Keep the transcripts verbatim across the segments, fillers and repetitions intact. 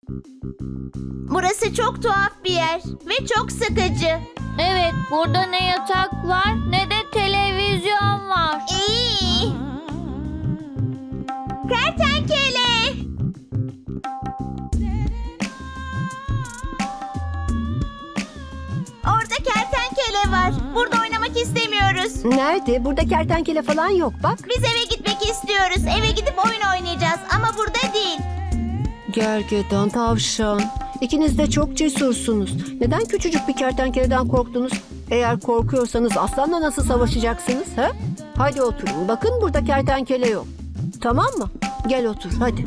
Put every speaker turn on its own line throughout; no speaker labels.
Burası çok tuhaf bir yer ve çok sıkıcı.
Evet, burada ne yatak var ne de televizyon var.
İyi. Kertenkele. Orada kertenkele var. Burada oynamak istemiyoruz.
Nerede? Burada kertenkele falan yok bak.
Biz eve gitmek istiyoruz. Eve gidip oyun oynayacağız ama burada değil.
Gergedan, tavşan. İkiniz de çok cesursunuz. Neden küçücük bir kertenkeleden korktunuz? Eğer korkuyorsanız aslanla nasıl savaşacaksınız? He? Hadi oturun. Bakın burada kertenkele yok. Tamam mı? Gel otur hadi.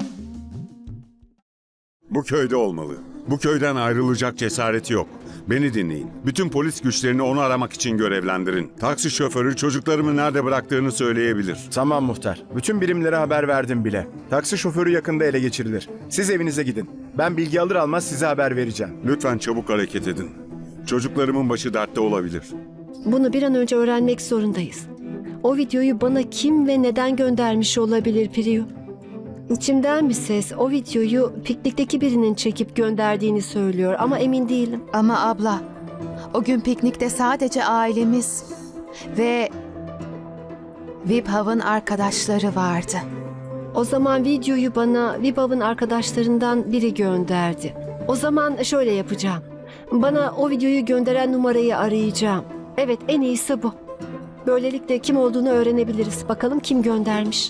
Bu köyde olmalı. Bu köyden ayrılacak cesareti yok. Beni dinleyin. Bütün polis güçlerini onu aramak için görevlendirin. Taksi şoförü çocuklarımı nerede bıraktığını söyleyebilir.
Tamam muhtar. Bütün birimlere haber verdim bile. Taksi şoförü yakında ele geçirilir. Siz evinize gidin. Ben bilgi alır almaz size haber vereceğim.
Lütfen çabuk hareket edin. Çocuklarımın başı dertte olabilir.
Bunu bir an önce öğrenmek zorundayız. O videoyu bana kim ve neden göndermiş olabilir Priyu? İçimden bir ses o videoyu piknikteki birinin çekip gönderdiğini söylüyor ama emin değilim.
Ama abla, o gün piknikte sadece ailemiz ve Vibhav'ın arkadaşları vardı.
O zaman videoyu bana Vibhav'ın arkadaşlarından biri gönderdi. O zaman şöyle yapacağım. Bana o videoyu gönderen numarayı arayacağım. Evet, en iyisi bu. Böylelikle kim olduğunu öğrenebiliriz. Bakalım kim göndermiş.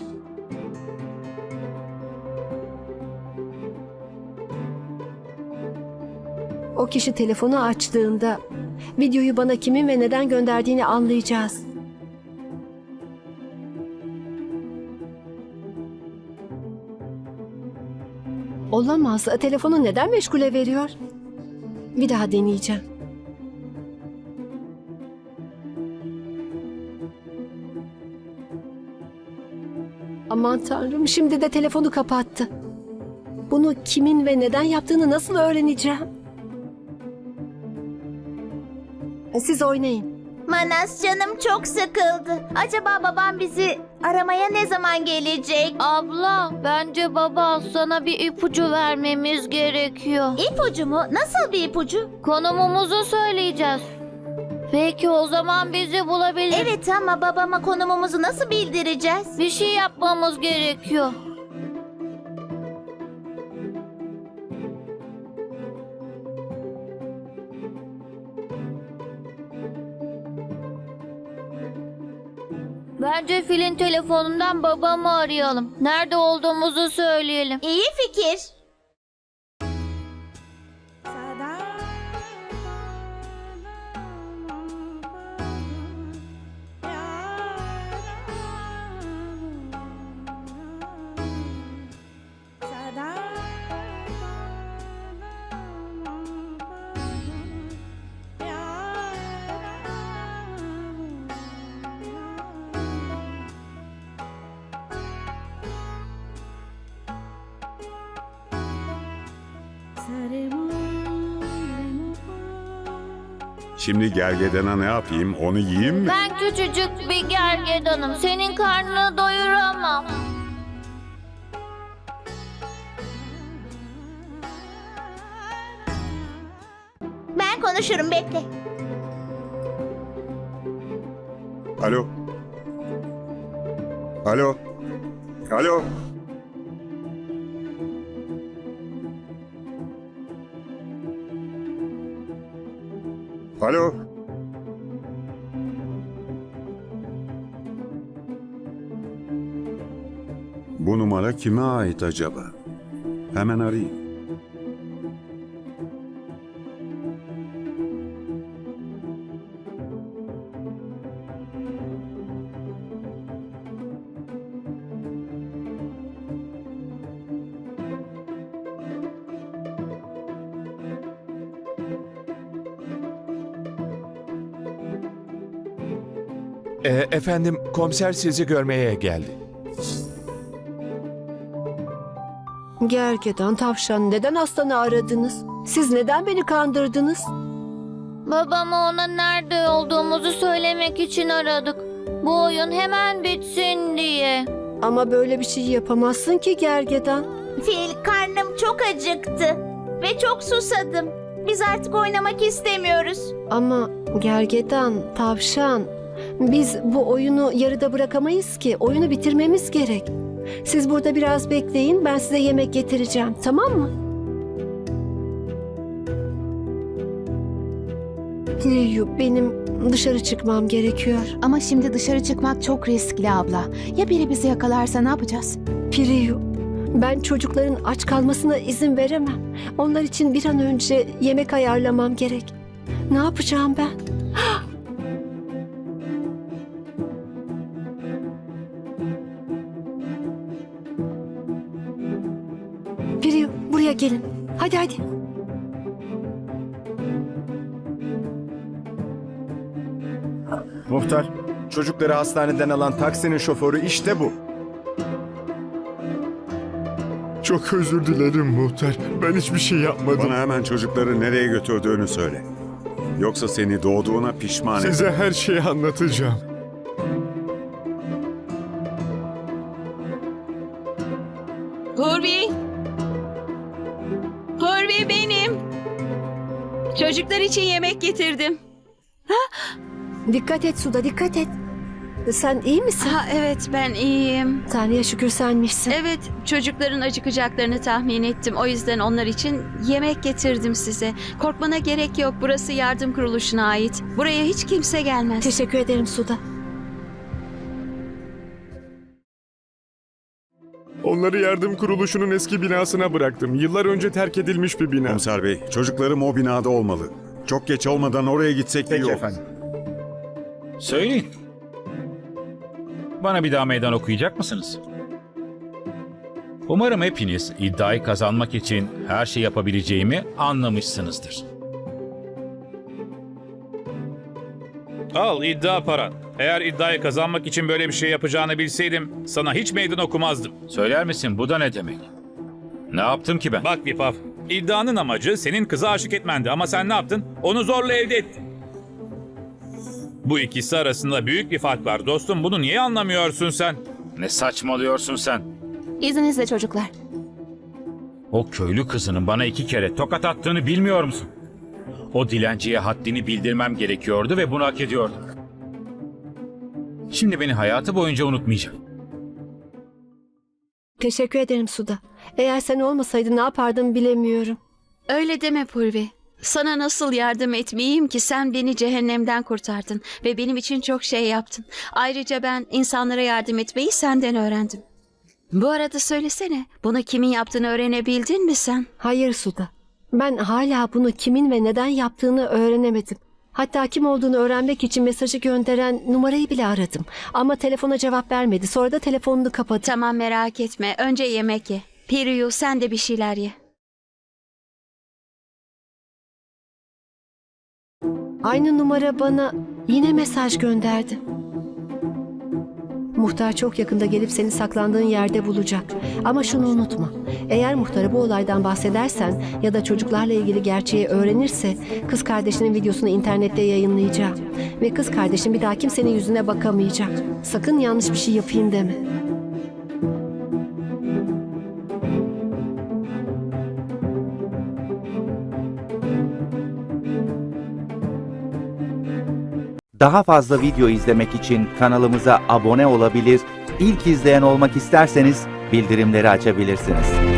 O kişi telefonu açtığında videoyu bana kimin ve neden gönderdiğini anlayacağız. Olamaz. Telefonu neden meşgule veriyor? Bir daha deneyeceğim. Aman Tanrım, şimdi de telefonu kapattı. Bunu kimin ve neden yaptığını nasıl öğreneceğim? Siz oynayın.
Manas, canım çok sıkıldı. Acaba babam bizi aramaya ne zaman gelecek?
Abla, bence baba sana bir ipucu vermemiz gerekiyor.
İpucu mu? Nasıl bir ipucu?
Konumumuzu söyleyeceğiz. Belki o zaman bizi bulabilir.
Evet ama babama konumumuzu nasıl bildireceğiz?
Bir şey yapmamız gerekiyor. Bence filin telefonundan babamı arayalım. Nerede olduğumuzu söyleyelim.
İyi fikir.
Şimdi gergedana ne yapayım? Onu yiyeyim mi?
Ben küçücük bir gergedanım. Senin karnını doyuramam.
Ben konuşurum, bekle.
Alo? Alo? Alo? Alo? Bu numara kime ait acaba? Hemen arayayım.
E, efendim, komiser sizi görmeye geldi.
Gergedan, tavşan, neden aslanı aradınız? Siz neden beni kandırdınız?
Babama ona nerede olduğumuzu söylemek için aradık. Bu oyun hemen bitsin diye.
Ama böyle bir şey yapamazsın ki Gergedan.
Fil, karnım çok çok acıktı ve çok susadım. Biz artık oynamak istemiyoruz.
Ama gergedan, tavşan, biz bu oyunu yarıda bırakamayız ki. Oyunu bitirmemiz gerek. Siz burada biraz bekleyin, ben size yemek getireceğim, tamam mı? Liyu, benim dışarı çıkmam gerekiyor.
Ama şimdi dışarı çıkmak çok riskli abla. Ya biri bizi yakalarsa ne yapacağız?
Priyu, ben çocukların aç kalmasına izin veremem. Onlar için bir an önce yemek ayarlamam gerek. Ne yapacağım ben? Priyu, buraya gelin. Hadi hadi.
Muhtar, çocukları hastaneden alan taksinin şoförü işte bu.
Çok özür dilerim muhtar. Ben hiçbir şey yapmadım.
Bana hemen çocukları nereye götürdüğünü söyle. Yoksa seni doğduğuna pişman ederim.
Size her şeyi anlatacağım.
Purvi. Purvi benim. Çocuklar için yemek getirdim.
Dikkat et Suda, dikkat et. Sen iyi misin?
Ha evet ben iyiyim.
Tanrı'ya şükür senmişsin.
Evet çocukların acıkacaklarını tahmin ettim. O yüzden onlar için yemek getirdim size. Korkmana gerek yok. Burası yardım kuruluşuna ait. Buraya hiç kimse gelmez.
Teşekkür ederim Suda.
Onları yardım kuruluşunun eski binasına bıraktım. Yıllar önce terk edilmiş bir bina.
Komiser Bey, çocuklarım o binada olmalı. Çok geç olmadan oraya gitsek iyi
Peki
olur.
efendim.
Söyleyin. Bana bir daha meydan okuyacak mısınız? Umarım hepiniz iddiayı kazanmak için her şey yapabileceğimi anlamışsınızdır. Al iddia paran. Eğer iddiayı kazanmak için böyle bir şey yapacağını bilseydim sana hiç meydan okumazdım. Söyler misin bu da ne demek? Ne yaptım ki ben? Bak Vipav, iddianın amacı senin kıza aşık etmendi ama sen ne yaptın? Onu zorla elde ettin. Bu ikisi arasında büyük bir fark var dostum. Bunu niye anlamıyorsun sen? Ne saçmalıyorsun sen?
İzninizle çocuklar.
O köylü kızının bana iki kere tokat attığını bilmiyor musun? O dilenciye haddini bildirmem gerekiyordu ve bunu hak ediyordu. Şimdi beni hayatı boyunca unutmayacak.
Teşekkür ederim Suda. Eğer sen olmasaydın ne yapardım bilemiyorum.
Öyle deme Purvi. Sana nasıl yardım etmeyeyim ki sen beni cehennemden kurtardın ve benim için çok şey yaptın. Ayrıca ben insanlara yardım etmeyi senden öğrendim. Bu arada söylesene, bunu kimin yaptığını öğrenebildin mi sen?
Hayır Suda. Ben hala bunu kimin ve neden yaptığını öğrenemedim. Hatta kim olduğunu öğrenmek için mesajı gönderen numarayı bile aradım. Ama telefona cevap vermedi. Sonra da telefonunu kapadı.
Tamam merak etme, önce yemek ye. Piriyu sen de bir şeyler ye.
Aynı numara bana yine mesaj gönderdi. Muhtar çok yakında gelip seni saklandığın yerde bulacak. Ama şunu unutma. Eğer muhtara bu olaydan bahsedersen ya da çocuklarla ilgili gerçeği öğrenirse kız kardeşinin videosunu internette yayınlayacağım. Ve kız kardeşin bir daha kimsenin yüzüne bakamayacak. Sakın yanlış bir şey yapayım deme.
Daha fazla video izlemek için kanalımıza abone olabilir, ilk izleyen olmak isterseniz bildirimleri açabilirsiniz.